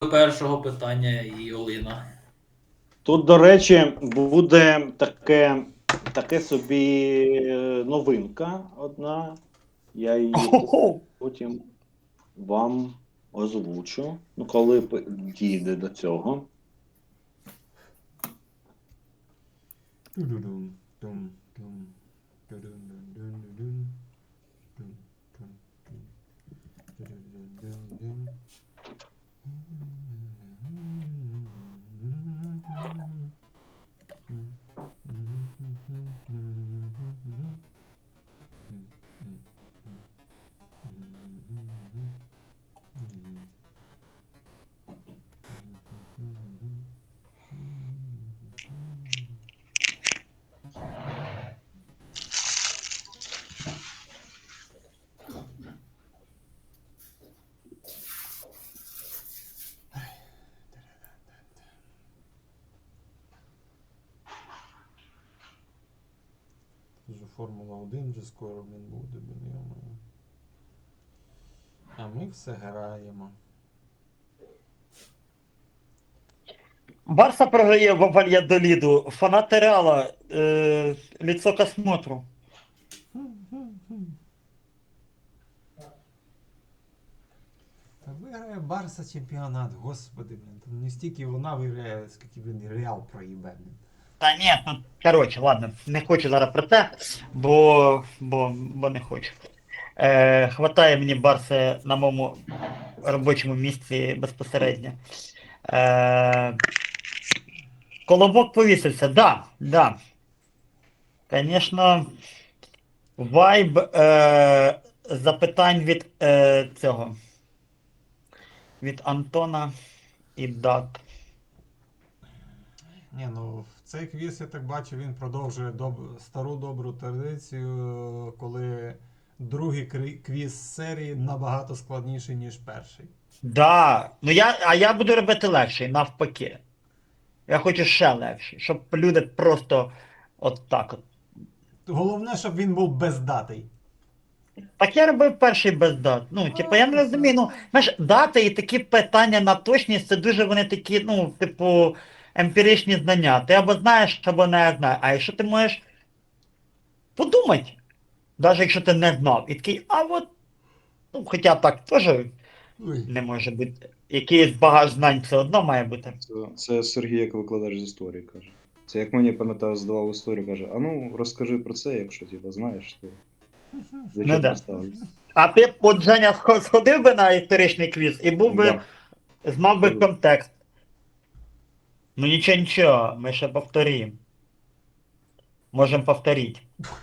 першого питання і Олина. Тут, до речі, буде таке собі новинка одна. Я її потім вам озвучу. Ну, коли дійде до цього. Вже Формула-1 вже скоро він буде, думаю. А ми все граємо. Барса програє в Вальядоліду. Фанати Реала. Лицо к осмотру. Та виграє Барса чемпіонат, господи, блін. Там не стільки вона виграє, скільки, блін, Реал проїбе, блін. Та ні, ну, коротше, ладно, не хочу зараз про це, бо не хочу. Хватає мені Барси на моєму робочому місці безпосередньо. Колобок повісився, да. Звісно, вайб запитань від цього. Від Антона і Дат. Ні, ну в цей квіз, я так бачу, він продовжує стару добру традицію, коли другий квіз серії набагато складніший, ніж перший. Да, ну я буду робити легший, навпаки. Я хочу ще легший, щоб люди просто от так от. Головне, щоб він був бездатий. Так я робив перший без дат. Ну, типу, я не розумію, ну, знаєш, дати і такі питання на точність, це дуже вони такі, ну, типу, емпіричні знання. Ти або знаєш, або не знаєш. А якщо ти можеш подумати, навіть якщо ти не знав, і такий, а от, ну, хоча так теж не може бути. Якийсь багаж знань все одно має бути. Це Сергій, як викладач з історії, каже. Це як мені, пам'ятаю, здавав історію, каже, а ну розкажи про це, якщо ти знаєш, то Ну, да. ставлю. А ти, от, Женя, сходив би на історичний квіз і був би, Да. знав би контекст. Ну нічого, ми ще повторимо. Можемо повторити.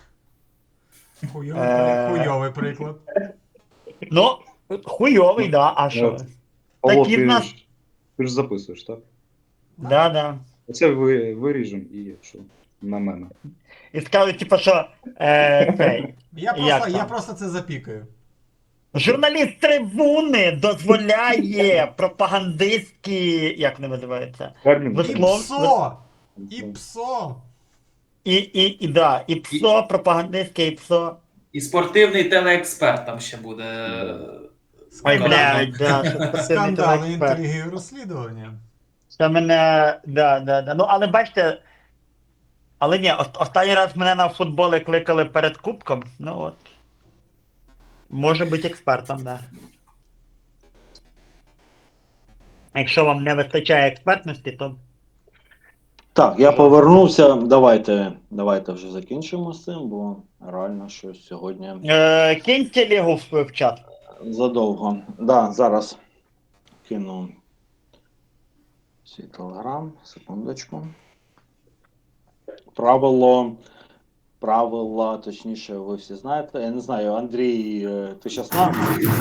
Хуйовий приклад. Ну, хуйовий, да, а що? Павло, Такі в нас. ти ж записуєш, так? Да. Оце виріжемо і що? На мене. І скажуть, типу, що цей. Я просто це запікаю. Журналіст трибуни дозволяє пропагандистські, як вони називаються? Термін. І псо! І псо! І ПСО, пропагандистське, і ПСО. І спортивний телеексперт там ще буде. Ой, блядь, да, що спортивний Скандали, телеексперт. інтриги і розслідування. Це мене, да. Ну, але бачите, але ні, останній раз мене на футболи кликали перед кубком, ну от. Може бути експертом, да. Якщо вам не вистачає експертності, то... Так, я повернувся. Давайте вже закінчимо з цим, бо реально щось сьогодні Киньте Лігу в чат. задовго. Да, зараз кину свій телеграм, секундочку. Правила, точніше, ви всі знаєте. Я не знаю, Андрій, ти зараз нам?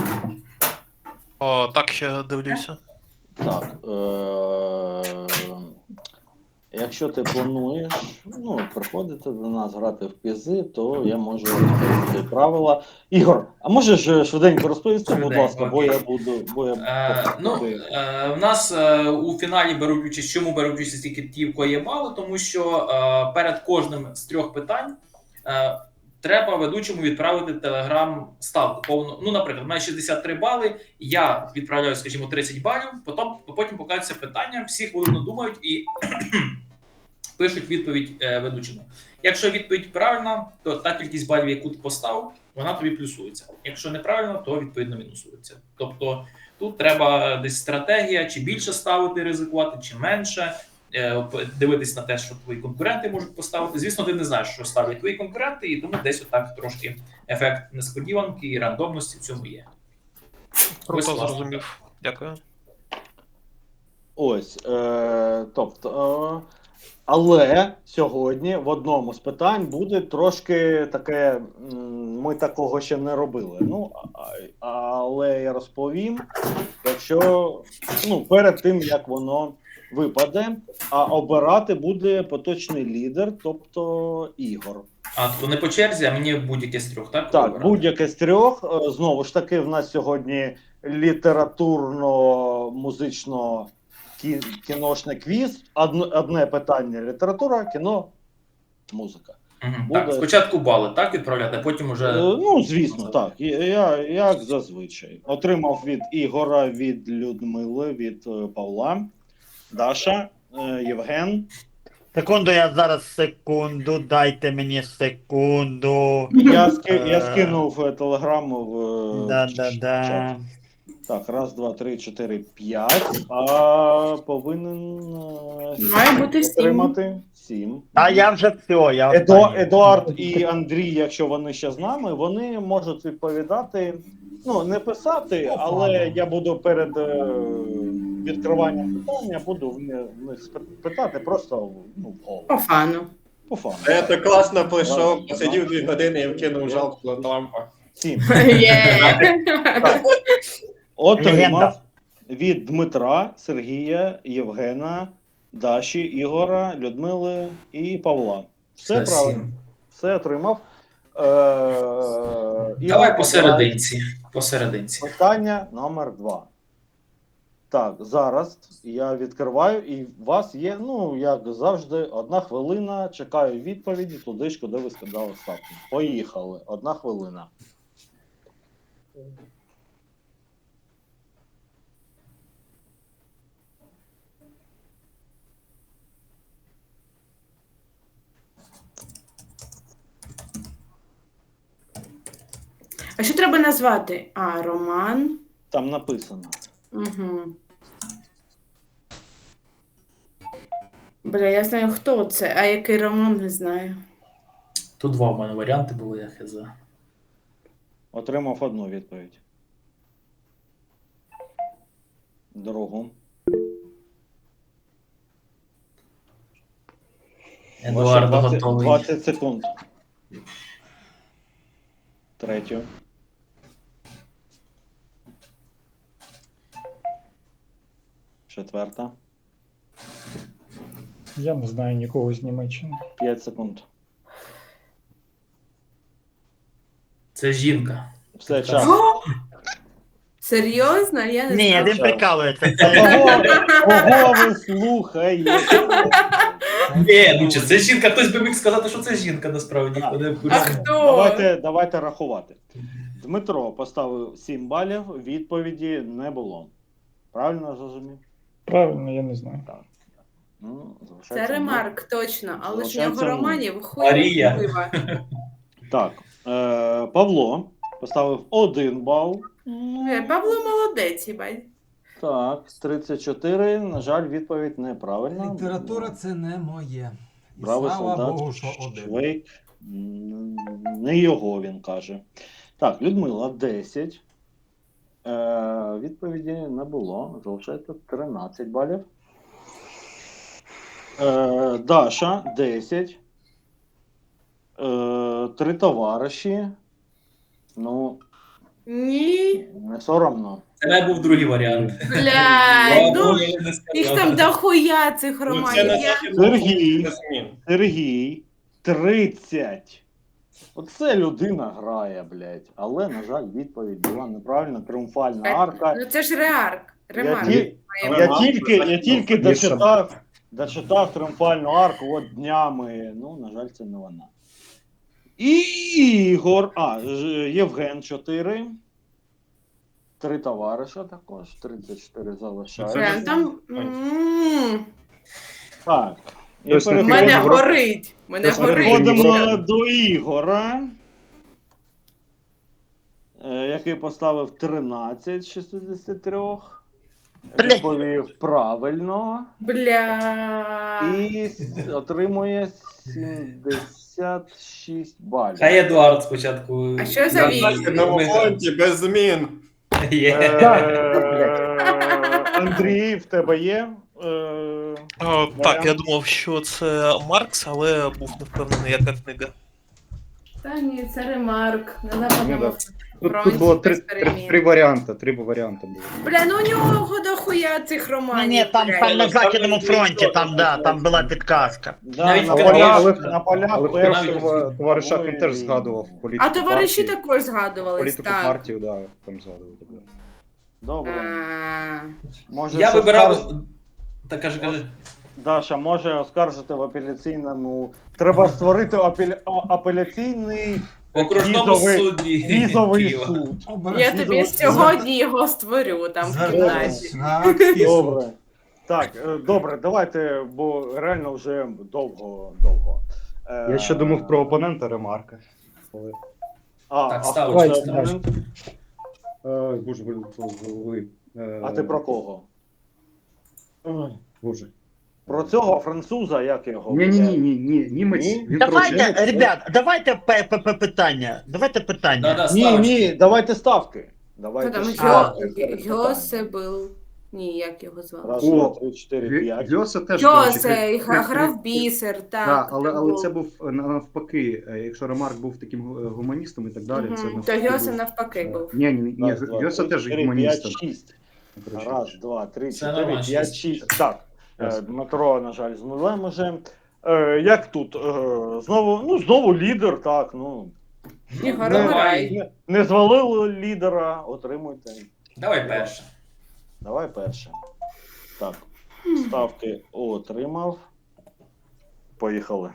Так, ще дивлюся. Так. Якщо ти плануєш приходити до нас грати в пізи, то я можу розповісти правила. Ігор, а можеш швиденько розповісти, будь ласка, бо я буду. В нас у фіналі беруть участь. Чому беруть участь тільки ті, в кого є мало? Тому що перед кожним з 3 питань треба ведучому відправити телеграм-ставку повну. Ну, наприклад, у мене 63 бали, я відправляю, скажімо, 30 балів, потім показується питання, всі хвилину думають і пишуть відповідь ведучому. Якщо відповідь правильна, то та кількість балів, яку ти поставив, вона тобі плюсується. Якщо неправильно, то відповідно мінусується. Тобто тут треба десь стратегія, чи більше ставити, ризикувати, чи менше. Дивитись на те, що твої конкуренти можуть поставити. Звісно, ти не знаєш, що ставлять твої конкуренти, і тому десь отак трошки ефект несподіванки і рандомності в цьому є. Круто, Ось, зрозумів. Дякую. Ось, тобто, але сьогодні в одному з питань буде трошки таке, ми такого ще не робили. Ну, але я розповім, якщо, ну, перед тим, як воно випаде, а обирати буде поточний лідер, тобто Ігор. А то не по черзі, а мені будь-яке з трьох, так? Так, Обирати? будь-яке з трьох. Знову ж таки, в нас сьогодні літературно-музично кіношний квіз. Одне питання література, кіно, музика. Мгм. буде- Так, спочатку бали, так, відправляти, а потім уже... Ну, звісно, так. Я як зазвичай. Отримав від Ігора, від Людмили, від Павла, Даша, Євген. Секунду, я зараз секунду, дайте мені секунду. Я скинув телеграму в Да. чат. Так, раз, два, три, чотири, п'ять. А повинен Має бути 7. отримати 7. А я вже все, я останній. Едуард і Андрій, якщо вони ще з нами, вони можуть відповідати. Ну, не писати, але я буду перед відкриванням питання, буду в них питати просто, ну, в голову. По фану. По фану. Я так класно прийшов, Ладно. посидів 2 години і вкинув жалку на лампа. 7. Є. Отримав Легенда. від Дмитра, Сергія, Євгена, Даші, Ігора, Людмили і Павла. Все Це правильно. 7. Все отримав. Давай посерединці. Посерединці. Питання номер 2. Так, зараз я відкриваю, і у вас є, ну, як завжди, 1 хвилина. Чекаю відповіді туди ж, куди ви скидали ставку. Поїхали. 1 хвилина. А що треба назвати? А, роман. Там написано. Угу. Бля, я знаю, хто це, а який роман не знаю. Тут 2 в мене варіанти були, я хз. Отримав 1 відповідь. Другу. Едуард Ваші готовий. 20 секунд. Третю. Четверта. Я не знаю нікого з Німеччини. 5 секунд. Це жінка. Все, час. О! Серйозно? Я не Ні, знала. він прикалується. Кого ви слухаєте? Ну чи це жінка? Хтось би міг сказати, що це жінка насправді. Так. Ніхто не А курсує. хто? Давайте рахувати. Дмитро поставив 7 балів, відповіді не було. Правильно зрозумів? Правильно, я не знаю. Ну, Це залишається ремарк, точно. Але ж у нього Залишається романів Марія. хуйова. Так, Павло поставив 1 бал. Павло молодець, їбать. Так, 34. На жаль, відповідь неправильна. Література це не моє. І Бравий слава солдат Богу, що один. Швейк. Не його, він каже. Так, Людмила 10. Відповіді не було. Залишається 13 балів. Даша 10. 3 товариші. Ну, Ні. не соромно. Це не був другий варіант. Блядь, ну, Ладно, я не сказав. їх там дохуя цих Ну, романів. це не Я... Сергій. змін. Сергій 30. Оце людина грає, блядь. Але, на жаль, відповідь була неправильна. Тріумфальна арка. Ну це ж реарк. Ремарк. Я тільки дочитав тріумфальну арку от днями. Ну, на жаль, це не вона. Ігор. Євген 4. 3 товариша також. 34 залишається. Прям там. Так. І Тобто У Ти мене переходимо- горить. Мене Ти горить. переходимо до Ігора, який поставив 13 з 63. Бля. Відповів правильно. Бля. І отримує 76 балів. Хай Едуард спочатку. А що за вік? На Західному фронті без змін. Є. Андрій, в тебе є? Так, я думав, що це Маркс, але був не впевнений, яка книга. Та ні, це ремарк. На западному Тут було три експеримент. варіанти, 3 варіанти було. Бля, ну у нього дохуя цих Ні, романів. ні, там бля. на Західному фронті, там була підказка. Да, Навіть на в полях, Канаді. на полях Але першого товариш Шахін світової теж війни. згадував політику А товариші партії. також згадувались, Політику так. партію, да, там згадували. Добре. А, Може, Я це вибирав. скарж- Так кажи. Даша, може оскаржити в апеляційному. Треба створити апеляційний В окружному візовий- суді. візовий Києва. суд. я тобі сьогодні його створю там в кімнаті. Звернись на акції суд. Добре. Так, добре, давайте, бо реально вже довго. Я ще думав про опонента ремарка. Але... Так, хто ставочка, це ставочка. опонент? Боже, вилетіло з голови. А ти про кого? Боже. Про цього француза, як його? Ні, німець. Ні? Він Давайте, коротше, ребят, давайте питання. Давайте питання. Да-да, Ні, ставочка. давайте ставки. Хто Давайте там? ставки. Йосебл. Ні, як його звали? Раз, О, два, три, чотири, п'ять. Йосе теж, коротше, Йосе, грав бісер, так. Так, але був. це був навпаки, якщо Ремарк був таким гуманістом і так далі, це Мгм. То навпаки Йосе був. навпаки був. Ні, Раз, два, Йосе три, теж чотири, гуманістом. п'ять, шість. Коротше. Раз, два, три, Це чотири, нормально, п'ять, шість. шість. Так, Ясно. Дмитро, на жаль, з нулем уже. Як тут? Знову лідер, так, Ігор, Не- обирай. не звалили лідера, отримуйте. Давай перше. Давай перше. Так, ставки отримав. Поїхали.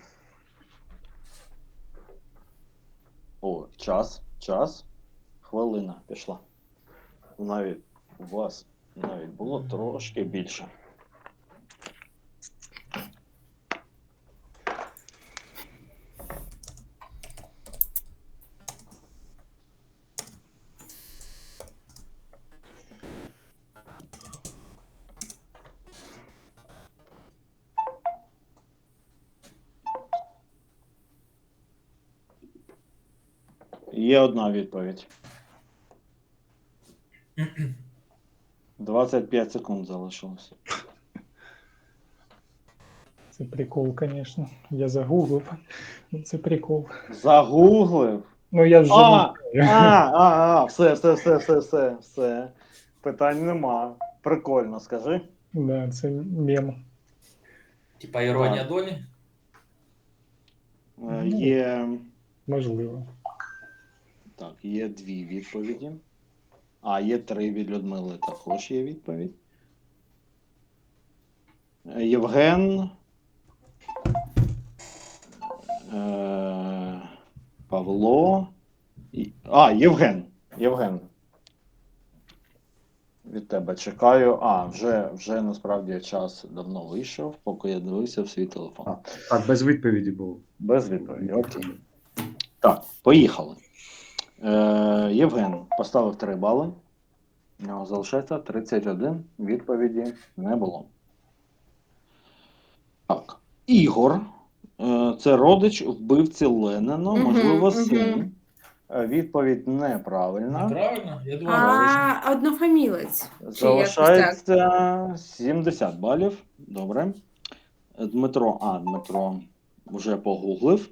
О, час. Хвилина пішла. Навіть у вас навіть було трошки більше. Є одна відповідь. 25 секунд залишилося. Це прикол, звісно. Я загуглив. Це прикол. Загуглив. Ну я вже не знаю. Все. Питань нема. Прикольно, скажи. Да, це мем. Типа іронія долі. Є. Можливо. Так, є дві відповіді. Є 3 від Людмили, також є відповідь. Євген. Павло. Євген. Від тебе чекаю. Вже насправді час давно вийшов, поки я дивився в свій телефон. Так, без відповіді було. Без відповіді, окей. Так, поїхали. Євген поставив 3 бали. У нього залишається 31. Відповіді не було. Так. Ігор. Це родич вбивці Ленина, можливо, син. Відповідь неправильна. Правильно? Я думаю, правильно. Однофамілець. Чи якось так? Залишається 70 балів. Добре. Дмитро вже погуглив.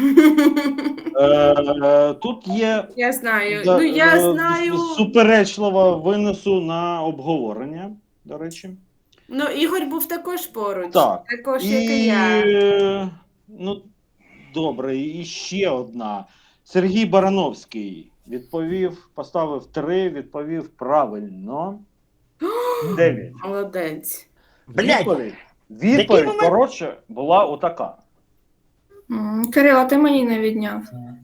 Тут є Я знаю. Ну я знаю. суперечливо винесу на обговорення, до речі. Ну, Ігор був також поруч. Так. Також, як і я. Добре, і ще одна. Сергій Барановський поставив 3, відповів правильно. 9. Молодець. Блядь, Відповідь, момент? коротше, була отака. Кирило, ти мені не відняв.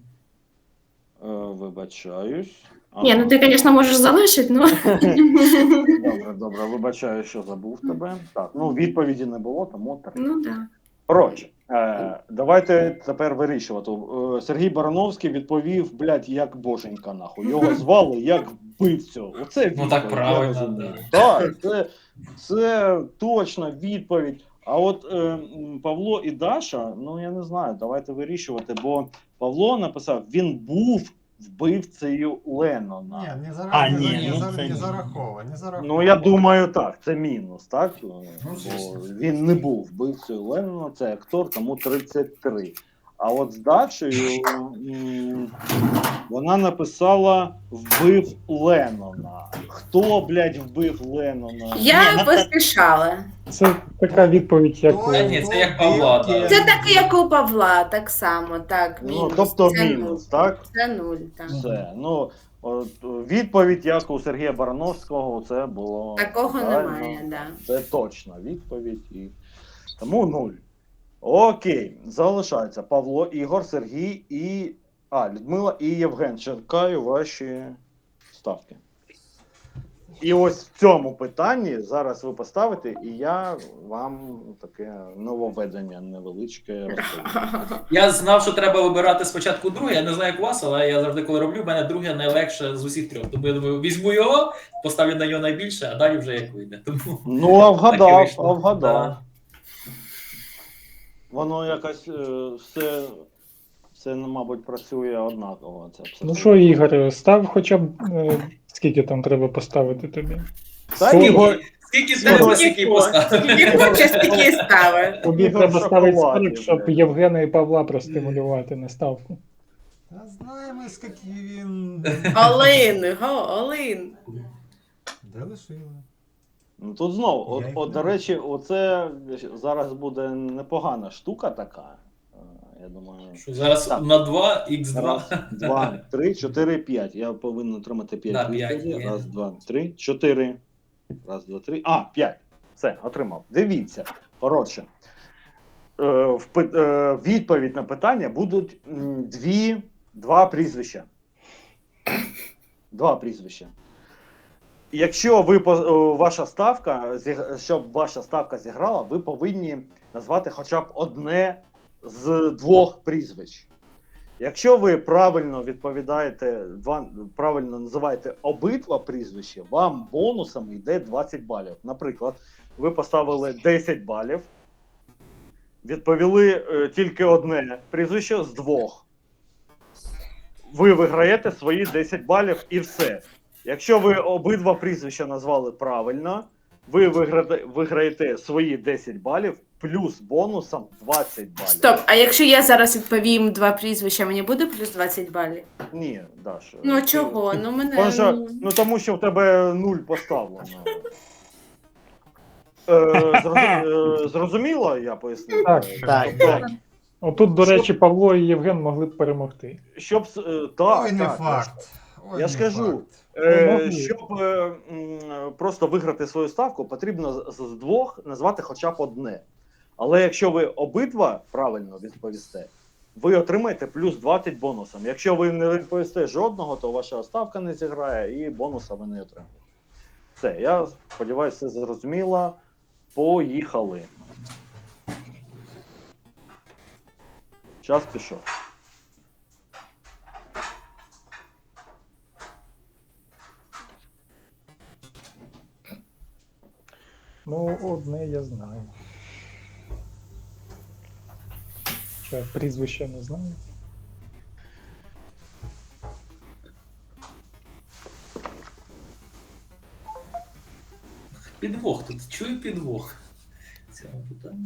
Вибачаюсь. Ні, ну ти, звісно, можеш залишити, ну. Добре, вибачаю, що забув тебе. Так, ну відповіді не було, тому так. Ну так. Коротше, давайте тепер вирішувати. Сергій Барановський відповів, блядь, як боженька, нахуй. Його звали як вбивцю. Оце відповідь, так я правильно, розумію. Так, це точна відповідь. А от Павло і Даша, ну я не знаю, давайте вирішувати, бо Павло написав, він був вбивцею Леннона. Ні, не це зараховано. Ну, я думаю, так, це мінус, так? Бо звісно. він не був вбивцею Леннона, це актор, тому 33. А от з Дашею вона написала «вбив Леннона». Хто, блядь, вбив Леннона? Я поспішала. Це така відповідь, як Та ні, це як Павла, так. Це так, як у Павла, так само, так, Ну, мінус. тобто Це мінус, нуль. так? Це 0, так. Все. Ну, от, відповідь, як у Сергія Барановського, це було... Такого правильно. немає, да. Це точна відповідь. І... Тому 0. Окей, залишається Павло, Ігор, Сергій і... Людмила і Євген. Чекаю ваші ставки. І ось в цьому питанні зараз ви поставите, і я вам таке нововведення невеличке розповім. Я знав, що треба вибирати спочатку друге. Я не знаю, як у вас, але я завжди, коли роблю, в мене друге найлегше з усіх трьох. Тому я думаю, візьму його, поставлю на нього найбільше, а далі вже як вийде. Тому Ну, а так і вгадав, вийшло. а вгадав. Да. Воно якось все, мабуть, працює однаково. Це Ну що, Ігор, став хоча б скільки там треба поставити тобі? Та Сорок. Скільки треба, скільки поставити. Скільки хочеш, стільки і стави. Тобі Ігор треба ставити шоколадний, 40, щоб блядь. Євгена і Павла простимулювати на ставку. Та знаємо, скільки він... Олин, Олин. Де лишили? Ну тут знову, Я їх до не речі, оце зараз буде непогана штука така. Я думаю, Що зараз Так. на 2, х2. раз, 2, 3, 4, 5. Я повинен отримати 5 Да, 5 відповідей. є. Раз, 2, 3, 4. Раз, 2, 3. 5. Все, отримав. Дивіться. Коротше. Відповідь на питання будуть два прізвища. Два прізвища. Якщо щоб ваша ставка зіграла, ви повинні назвати хоча б одне з двох прізвищ. Якщо ви правильно відповідаєте, правильно називаєте обидва прізвища, вам бонусом йде 20 балів. Наприклад, ви поставили 10 балів, відповіли тільки одне прізвище з двох. Ви виграєте свої 10 балів і все. Якщо ви обидва прізвища назвали правильно, ви виграєте свої 10 балів плюс бонусом 20 балів. Стоп, а якщо я зараз відповім два прізвища, мені буде плюс 20 балів? Ні, Даша. Ну чого? Ну мене... Тому що в тебе 0 поставлено. Зрозуміло, я пояснив? Так. Так. Тобто, Отут, до речі, Павло і Євген могли б перемогти. щоб... Так, Ой, не так, факт. Ой, Я ж не кажу, факт. щоб просто виграти свою ставку, потрібно з двох назвати хоча б одне. Але якщо ви обидва правильно відповісте, ви отримаєте плюс 20 бонусом. Якщо ви не відповісте жодного, то ваша ставка не зіграє і бонуса ви не отримаєте. Все, я сподіваюся, все зрозуміло. Поїхали. Час пішов. Ну, одне я знаю. Ще прізвище не знаю. Підвох тут. Чую підвох. в цьому питанні.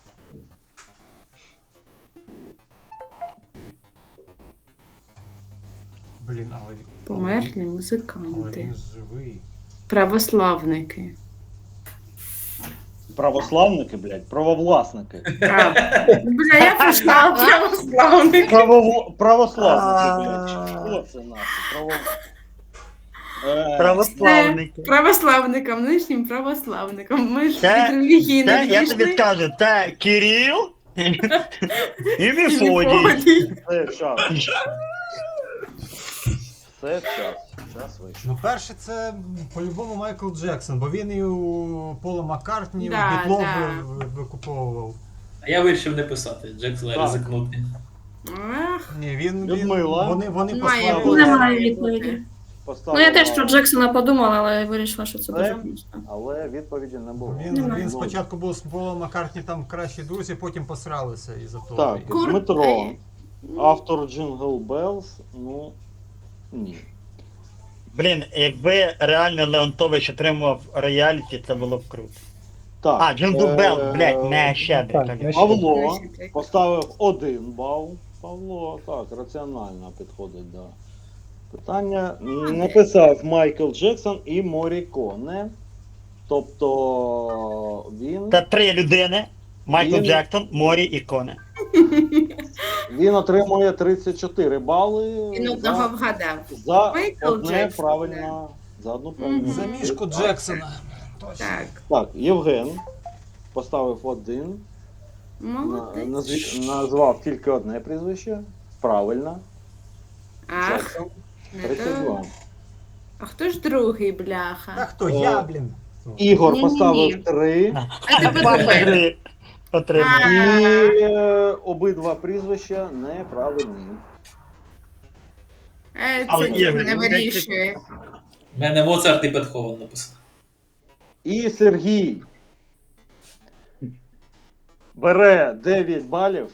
Блін, але... Померлі Але музиканти. він живий. Православники. Православники, блядь, правовласники. Бля, я прийшла православники. Православники, блядь. Що це нахуй? Православники. Православникам, нинішнім православникам. Ми ж Це- від релігії не Це, я тобі відійшли. скажу, це Кирил І Мефодій. Все, час. Все, час. Час вийшов. Ну, перше, це по-любому Майкл Джексон, бо він і у Пола Маккартні, Да, у Бітлов да. викуповував. А я вирішив не писати, Джексон Так. ризикнути. Ах, Ні, він Людмила. вони має послали. бути. Немає відповіді. Ну я теж про Джексона подумала, але вирішила, що це дуже просто. Але відповіді не було. Він Немає. спочатку був з Полом Маккартні там кращі друзі, потім посралися із-за того. Так, Курт. Дмитро, автор Jingle Bells, ну, ні. Блін, якби реально Леонтович отримував рояліті, це було б круто. Так, А, Джингл Белл, блядь, не щедрик. Так, конечно. не Павло поставив 1 бал. Павло, так, раціонально підходить до питання. Написав Майкл Джексон і Моріконе. Тобто він, Це 3 людини. Майкл Він- Джексон, Морі і Коне. він отримує 34 бали Він одного за, вгадав. за Майкл одне Джексон, правильно. За одну правильну. За мішку відповідь. Джексона. Точно. Так, Так, Євген поставив 1. молодець. Назвав тільки одне прізвище. Правильно. Ах, Джексон. не 32. то. А хто ж другий, Та бляха? хто? Я, блін. Ігор Ні-ні-ні. поставив 3. А ти Паша подумай. гри отримав. І обидва прізвища неправильні. Але Це є, не ви- вирішує. У мене Моцарт і Бетховен написано. І Сергій бере 9 балів,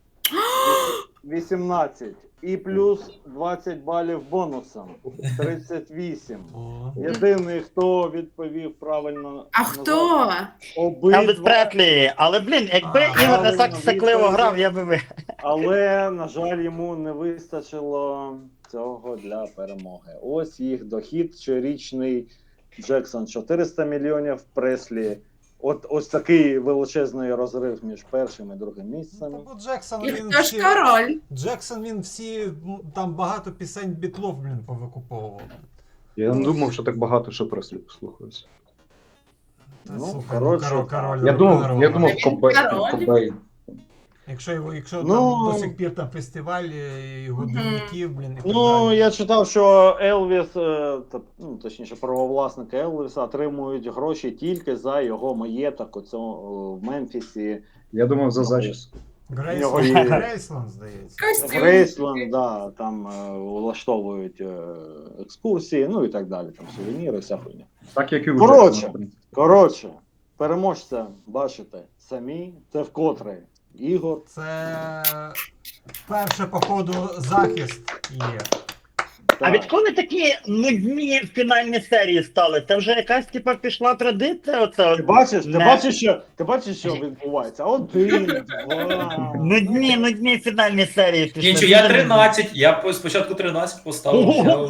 18. І плюс 20 балів бонусом. 38. О. Єдиний, хто відповів правильно. А назвав хто? Елвіс Обидва. Преслі. Але, блін, якби А, Ігор не так правильно, сикливо відповідь. грав, я би ви. Але, на жаль, йому не вистачило цього для перемоги. Ось їх дохід щорічний. Джексон 400 мільйонів, Преслі. Ось такий величезний розрив між першим і другим місцем. Ну, бо Джексон, І він хто ж король? Джексон, він всі, там багато пісень Бітлов, блін, повикуповував. Я не думав, що так багато що преслі послухаюся. Та, Ну, слухай, коротше, король Я думав, рок-н-ролу. Кобейн. король? Кобейн. Якщо Ну, там до сих пір там фестиваль і годинників, блін, і так Ну, далі. я читав, що Елвіс, точніше, правовласники Елвіса отримують гроші тільки за його маєток в Мемфісі. Я думав за зачіску. Його є. Грейсланд, здається. Костюм. Грейсленд, да, там влаштовують екскурсії, ну і так далі, там сувеніри, вся хуйня. Так як і у Коротше. Джексона, в принципі. Коротше, переможця бачите самі, це вкотре Ігор. Це перше, походу, захист є. А відколи такі нудні фінальні серії стали? Це вже якась типа пішла традиція? Оце Ти бачиш, не- ти бачиш, що відбувається? 1, 2. Нудні фінальні серії пішли. Нічого, я 13, я спочатку 13 поставив. Ого,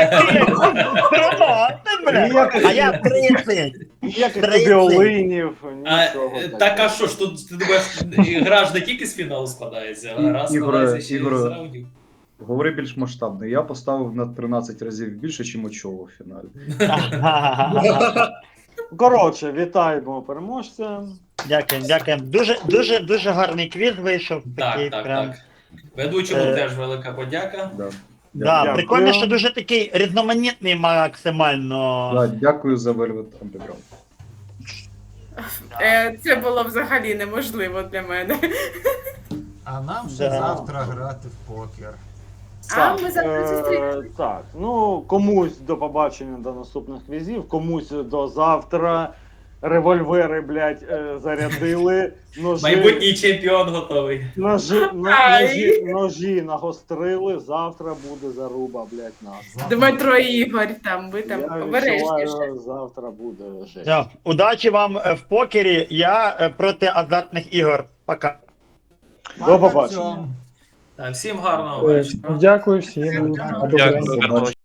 А я 30. Ніяких 30. тобі олинів, А, нічого. так а що ж, тут ти думаєш, гра ж не тільки з фіналу складається, а гра складається ще й Ігоре, з раундів. Говори більш масштабно. Я поставив на 13 разів більше, ніж очоло в фіналі. Коротше, вітаємо переможця. Дякую. Дуже гарний квіз вийшов. Такий Так, прям. так. Ведучому Е, теж велика подяка. Да. Да, Дякую. прикольно, що дуже такий різноманітний максимально. Да, дякую за Velvet Underground. Це було взагалі неможливо для мене. А нам ще Да. завтра грати в покер. А ми завтра зустрінемося. Так, ну комусь до побачення до наступних квізів, комусь до завтра. Револьвери, блядь, зарядили. Майбутній чемпіон готовий. Ножі нагострили. Завтра буде заруба, блядь, нас. Дмитро і Ігор, там ви Я там обережніше. відчуваю, завтра буде жесть. Все, удачі вам в покері. Я проти азартних ігор. Пока. До побачення. Всім гарного вечора. Дякую всім. Дякую. Або Дякую, Бренді. гарного